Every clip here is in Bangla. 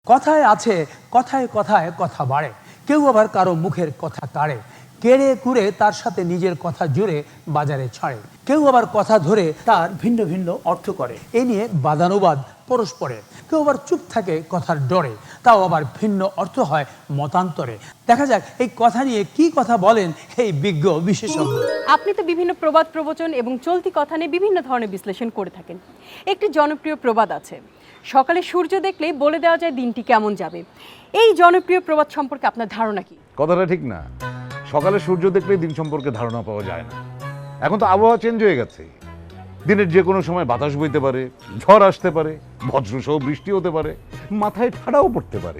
কথায় আছে কথায় কথায় কথা বাড়ে, কেউ আবার কারো মুখের কথা কাড়ে, কেড়ে কুড়ে তার সাথে নিজের কথা জুড়ে বাজারে ছাড়ে, কেউ আবার কথা ধরে তার ভিন্ন ভিন্ন অর্থ করে। এ নিয়ে বাদানুবাদ পরস্পরে, কেউ আবার চুপ থাকে কথার ডরে, তাও আবার ভিন্ন অর্থ হয় মতান্তরে। দেখা যাক এই কথা নিয়ে কি কথা বলেন এই বিজ্ঞ বিশেষজ্ঞ। আপনি তো বিভিন্ন প্রবাদ প্রবচন এবং চলতি কথা নিয়ে বিভিন্ন ধরনের বিশ্লেষণ করে থাকেন। একটি জনপ্রিয় প্রবাদ আছে, সকালে সূর্য দেখলেই বলে দেওয়া যায় দিনটি কেমন যাবে। এই জনপ্রিয় প্রবাদ সম্পর্কে আপনার ধারণা কি? কথাটা ঠিক না। সকালে সূর্য দেখলেই দিন সম্পর্কে ধারণা পাওয়া যায় না। এখন তো আবহাওয়া চেঞ্জ হয়ে গেছে। দিনের যে কোনো সময় বাতাস বইতে পারে, ঝড় আসতে পারে, বজ্রসহ বৃষ্টি হতে পারে, মাথায় ঠাড়াও পড়তে পারে।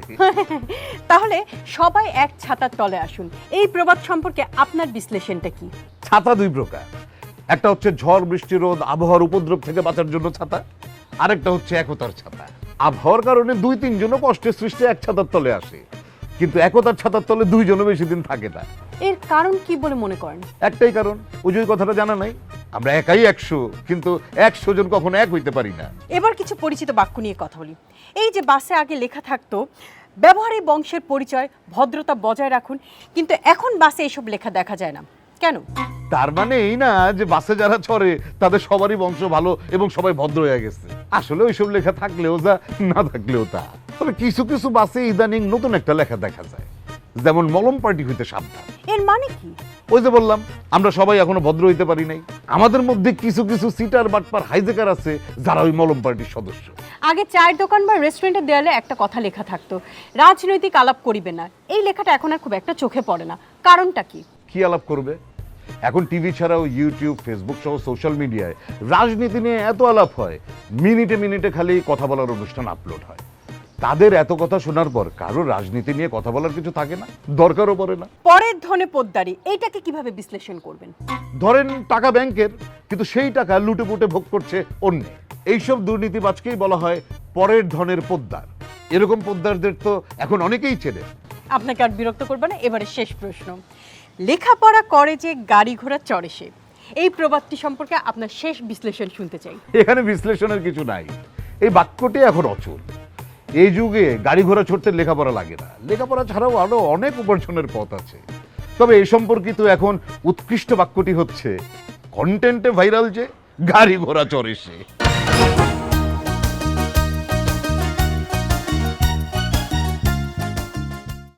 তাহলে সবাই এক ছাতার তলে আসুন, এই প্রবাদ সম্পর্কে আপনার বিশ্লেষণটা কি? ছাতা দুই প্রকার, একটা হচ্ছে ঝড় বৃষ্টি রোদ আবহাওয়ার উপদ্রব থেকে বাঁচার জন্য ছাতা, আরেকটা হচ্ছে একতার ছাতা। আবহাওয়ার কারণে দুই তিনজনও কষ্টের সৃষ্টি এক ছাতার তলে আসে, কিন্তু একতার ছাতার তলে দুইজনও বেশি দিন থাকে না। এর কারণ কি বলে মনে করেন? একটাই কারণ, ওই যে কথাটা জানা নাই, আমরা একাই 100, কিন্তু 100 জন কখনো এক হইতে পারি না। এবার কিছু পরিচিত বাক্য নিয়ে কথা বলি। এই যে বাসে আগে লেখা থাকতো ব্যবহারে বংশের পরিচয়, ভদ্রতা বজায় রাখুন, কিন্তু এখন বাসে এসব লেখা দেখা যায় না, কেন? তার মানে এই না যে বাসে যারা চড়ে তাদের সবারই বংশ ভালো এবং সবাই ভদ্র হয়ে গেছে। আসলে ওইসব লেখা থাকলেও যা, না থাকলেও তা। তবে কিছু কিছু বাসে ইদানিং নতুন একটা লেখা দেখা যায়, যেমন মলম পার্টি হইতে সাবধান। এর মানে কি? ওই যে বললাম, আমরা সবাই এখনো ভদ্র হইতে পারি নাই। আমাদের মধ্যে কিছু কিছু সিটার বাটপার হাইজেকার আছে যারা ওই মলম পার্টির সদস্য। আগে চায়ের দোকান বা রেস্টুরেন্টের দেয়ালে একটা কথা লেখা থাকতো, রাজনৈতিক আলাপ করিবে না। এই লেখাটা এখন আর খুব একটা চোখে পড়ে না, কারণটা কি? কি আলাপ করবে? এখন টিভি ছাড়াও ইউটিউব, ফেসবুক সহ সোশ্যাল মিডিয়ায় রাজনীতি নিয়ে এত আলাপ হয়, মিনিটে মিনিটে খালি কথা বলার অনুষ্ঠান আপলোড হয়। তাদের এত কথা শোনার পর কারো রাজনীতি নিয়ে কথা বলার কিছু থাকে না, দরকারও পড়ে না। পরের ধনে পোদ্দারি, এইটাকে কিভাবে বিশ্লেষণ করবেন? ধরেন টাকা ব্যাংকের, কিন্তু সেই টাকা লুটে পুটে ভোগ করছে অন্য। এইসব দুর্নীতিবাজকেই বলা হয় পরের ধনের পোদ্দার। এরকম পোদ্দারদের তো এখন অনেকেই চেনে। আপনাকে আর বিরক্ত করবে না, এবারে শেষ প্রশ্ন। লেখাপড়া করে যে গাড়ি ঘোড়া চড়ে সে, এই প্রবাদটি সম্পর্কে আপনার শেষ বিশ্লেষণ শুনতে চাই। এখানে বিশ্লেষণের কিছু নাই, এই বাক্যটি এখন অচল। এই যুগে গাড়ি ঘোড়া ছড়তে লেখাপড়া লাগে না, লেখাপড়া ছাড়াও আরো অনেক উপার্জনের পথ আছে। তবে এই সম্পর্কিত এখন উৎকৃষ্ট বাক্যটি হচ্ছে, কন্টেন্টে ভাইরাল যে গাড়ি ঘোড়া চড়ে সে।